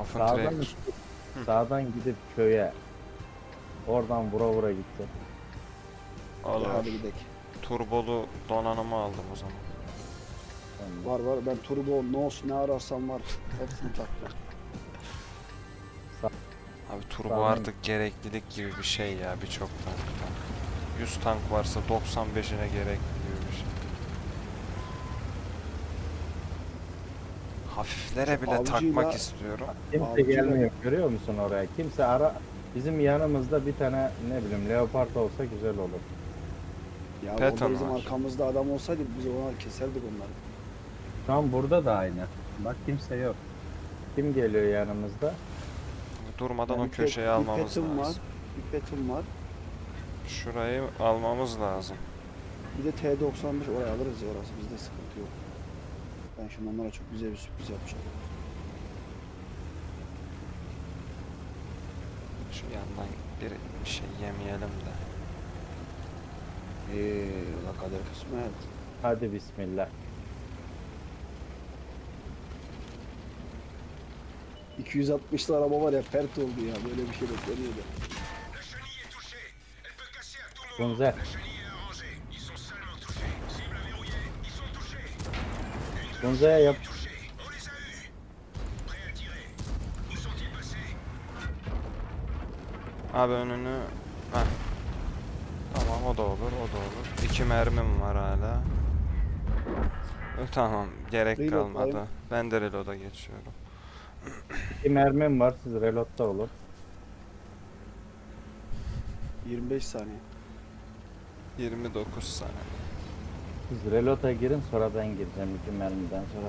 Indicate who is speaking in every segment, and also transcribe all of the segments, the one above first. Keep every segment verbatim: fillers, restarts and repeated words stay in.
Speaker 1: Open
Speaker 2: Sağdan,
Speaker 1: track.
Speaker 2: sağdan gidip köye. Oradan vura vura gidecek.
Speaker 1: Olur.
Speaker 3: Hadi gidelim.
Speaker 1: Turbolu donanımı aldım o zaman.
Speaker 2: Yani
Speaker 3: Var var, ben turbo, nos ne ararsam var. Hepsini taktım.
Speaker 1: Abi turbo
Speaker 2: Sağdan-
Speaker 1: artık gereklilik gibi bir şey ya birçok tankta. yüz tank varsa doksan beşine gerekli gibi bir şey. Hafiflere bile
Speaker 3: Avcıyla-
Speaker 1: takmak istiyorum.
Speaker 2: kimse
Speaker 3: Avcı da-
Speaker 2: gelmiyor. Görüyor musun oraya? Kimse ara. Bizim yanımızda bir tane ne bileyim leopard olsa güzel olur.
Speaker 3: Ya
Speaker 1: Patton
Speaker 3: orada bizim
Speaker 1: var.
Speaker 3: arkamızda adam olsaydı biz ona keserdik onları.
Speaker 2: Şu an burada da aynı. Bak kimse yok. Kim geliyor yanımızda?
Speaker 1: Durmadan
Speaker 3: Yani
Speaker 1: o köşeyi
Speaker 3: bir
Speaker 1: almamız
Speaker 3: petim var,
Speaker 1: lazım.
Speaker 3: bir petim var.
Speaker 1: Şurayı almamız lazım.
Speaker 3: Bir de T doksan beş oraya alırız ya, orası bizde sıkıntı yok. Ben şimdi onlara çok güzel bir sürpriz yapacağım.
Speaker 1: Şu yandan bir, bir şey yemeyelim de.
Speaker 3: Eee la kader kısmet.
Speaker 2: Hadi bismillah.
Speaker 3: iki yüz altmışlı araba var ya, pert oldu ya, böyle bir şey bekleniyordu.
Speaker 2: Bunzer. Bunzer'e yap.
Speaker 1: Abi önünü... Heh. Tamam o da olur, o da olur. İki mermim var hala. E, Tamam, gerek
Speaker 3: Reload
Speaker 1: kalmadı.
Speaker 3: alayım.
Speaker 1: Ben de reload'a geçiyorum.
Speaker 2: İki mermim var. Siz reload'da olun.
Speaker 3: yirmi beş saniye.
Speaker 1: yirmi dokuz saniye.
Speaker 2: Siz reload'a girin sonra ben gireceğim iki mermiden sonra.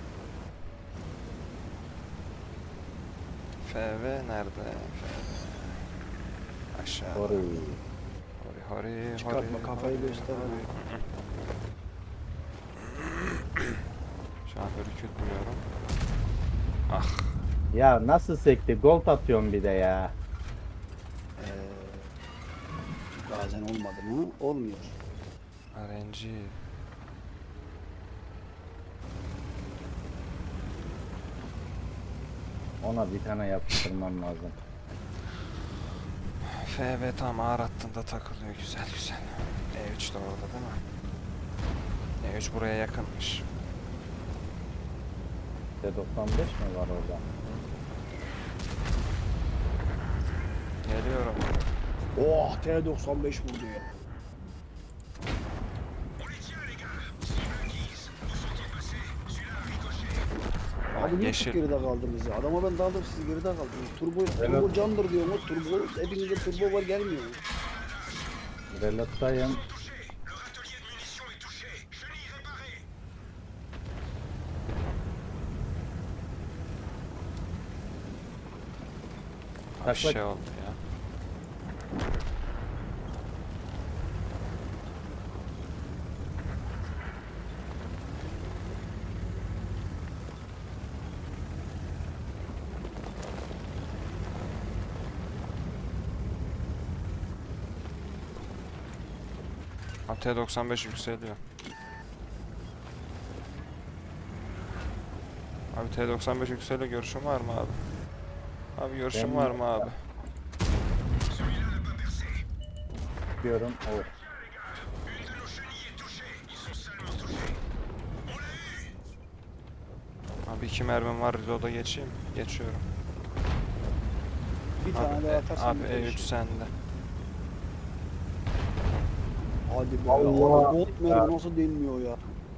Speaker 1: F V nerede? F V. Aşağı.
Speaker 2: Doğru.
Speaker 1: Hori hori
Speaker 3: Çıkartma,
Speaker 1: hori,
Speaker 3: kafayı
Speaker 1: hori,
Speaker 3: göster.
Speaker 1: hori. Şu an ürkütmüyorum. Ah.
Speaker 2: Ya nasıl sekti? Gold atıyorum bir de ya.
Speaker 3: Ee, bazen olmadı mı? Olmuyor.
Speaker 1: R N G.
Speaker 2: Ona bir tane yapıştırmam lazım.
Speaker 1: F V tam ağır hattında takılıyor. Güzel güzel. E üç de orada değil mi? E üç buraya yakınmış.
Speaker 2: T doksan beş mi var orada?
Speaker 1: Geliyorum.
Speaker 3: Oh, T doksan beş vurdu ya. Abi niye
Speaker 1: Yeşil.
Speaker 3: çok geride kaldınız ya? Adama ben daldım, siz geride kaldınız. Turbo, turbo candır diyor mu? Turbo, hepinizde turbo var, gelmiyor.
Speaker 2: Reload'dayım.
Speaker 1: Abi
Speaker 2: Bak, bak.
Speaker 1: şey oldu ya. Abi T doksan beş yükseliyor. Abi T doksan beş yükseliyor. Görüşün var mı abi? Abi görüşün
Speaker 2: Ben-
Speaker 1: var mı abi?
Speaker 2: Diyorum. Oh.
Speaker 1: Abi iki mermim var. Reload'a geçeyim. Geçiyorum.
Speaker 3: Bir
Speaker 1: Abi,
Speaker 3: tane daha
Speaker 1: e,
Speaker 3: atarsan
Speaker 1: abi
Speaker 3: biter
Speaker 1: E üç
Speaker 3: işi.
Speaker 1: sende.
Speaker 3: Hadi be.
Speaker 2: Allah
Speaker 3: Abi, Bolt
Speaker 2: ya.
Speaker 3: mermi nasıl denmiyor ya?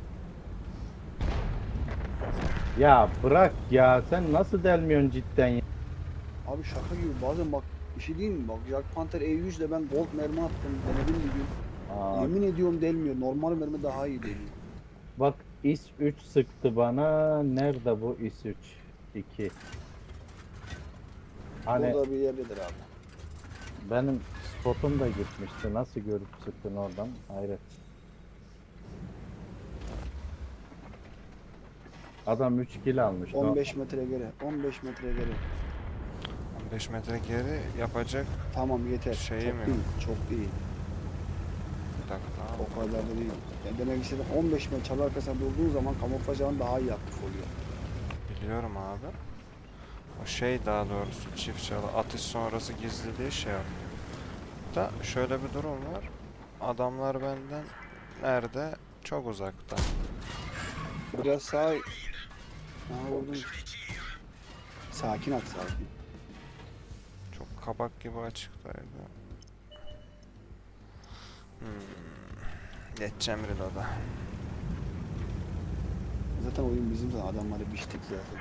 Speaker 2: Ya bırak ya. Sen nasıl delmiyorsun cidden ya?
Speaker 3: Abi şaka gibi, bazen bak bir şey diyeyim mi? Bak Jack Panther E yüz ile ben Bolt mermi attım. Denedim bir gün.
Speaker 2: Aa,
Speaker 3: Yemin ediyorum delmiyor. Normal mermi daha iyi deliyor.
Speaker 2: bak İS üç sıktı bana. Nerede bu İS üç? iki. Hani
Speaker 3: Burada bir yerdedir abi.
Speaker 2: benim spotum da gitmişti. Nasıl görüp sıktın oradan? Hayret. Adam üç kill almış. No-
Speaker 3: on beş metre geri. on beş metre geri.
Speaker 1: on beş metre geri yapacak.
Speaker 3: Tamam yeter.
Speaker 1: Şeyim
Speaker 3: çok
Speaker 1: yok.
Speaker 3: değil. Çok değil.
Speaker 1: Bir dakika.
Speaker 3: O kadar da değil. Yani demek istedim, on beş metre çalı arkasında durduğun zaman kamuflajın daha iyi aktif oluyor.
Speaker 1: Biliyorum abi. O şey daha doğrusu çift çalı atış sonrası gizliliği şey yapıyor. Da şöyle bir durum var. Adamlar benden nerede? Çok uzakta.
Speaker 3: Biraz sağ... Ha vurdum. Sakin at sakin.
Speaker 1: Çok kabak gibi açıktaydı. Hmm. Geçeceğim reload'a.
Speaker 3: Zaten oyun bizim zaten adamları biçtik zaten.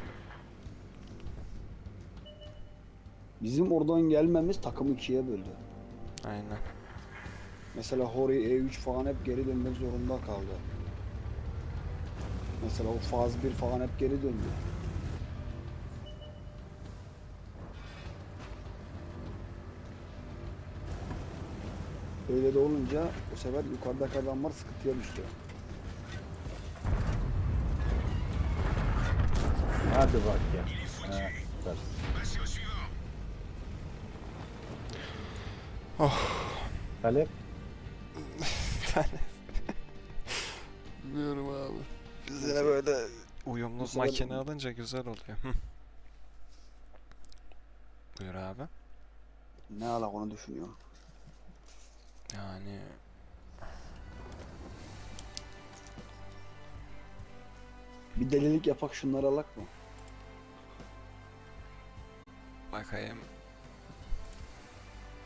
Speaker 3: Bizim oradan gelmemiz takımı ikiye böldü.
Speaker 1: Aynen.
Speaker 3: Mesela Hori E üç falan hep geri dönmek zorunda kaldı. Mesela o faz bir falan hep geri döndü. Öyle de olunca bu sefer yukarıdaki adamlar sıkıntıya düştü.
Speaker 2: Hadi bak ya. He, süpersin.
Speaker 1: Oh.
Speaker 2: Talep.
Speaker 1: Bilmiyorum abi. Biz yine böyle uyumlu
Speaker 3: Bu sefer-
Speaker 1: makine alınca güzel oluyor. Hı. Buyur abi.
Speaker 3: Ne alak onu düşünüyorum.
Speaker 1: Yani
Speaker 3: Bir delilik yapak şunları alak mı?
Speaker 1: bakayım.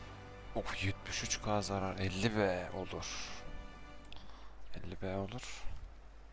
Speaker 1: Oh yetmiş üç K zarar. elli B olur. elli B olur.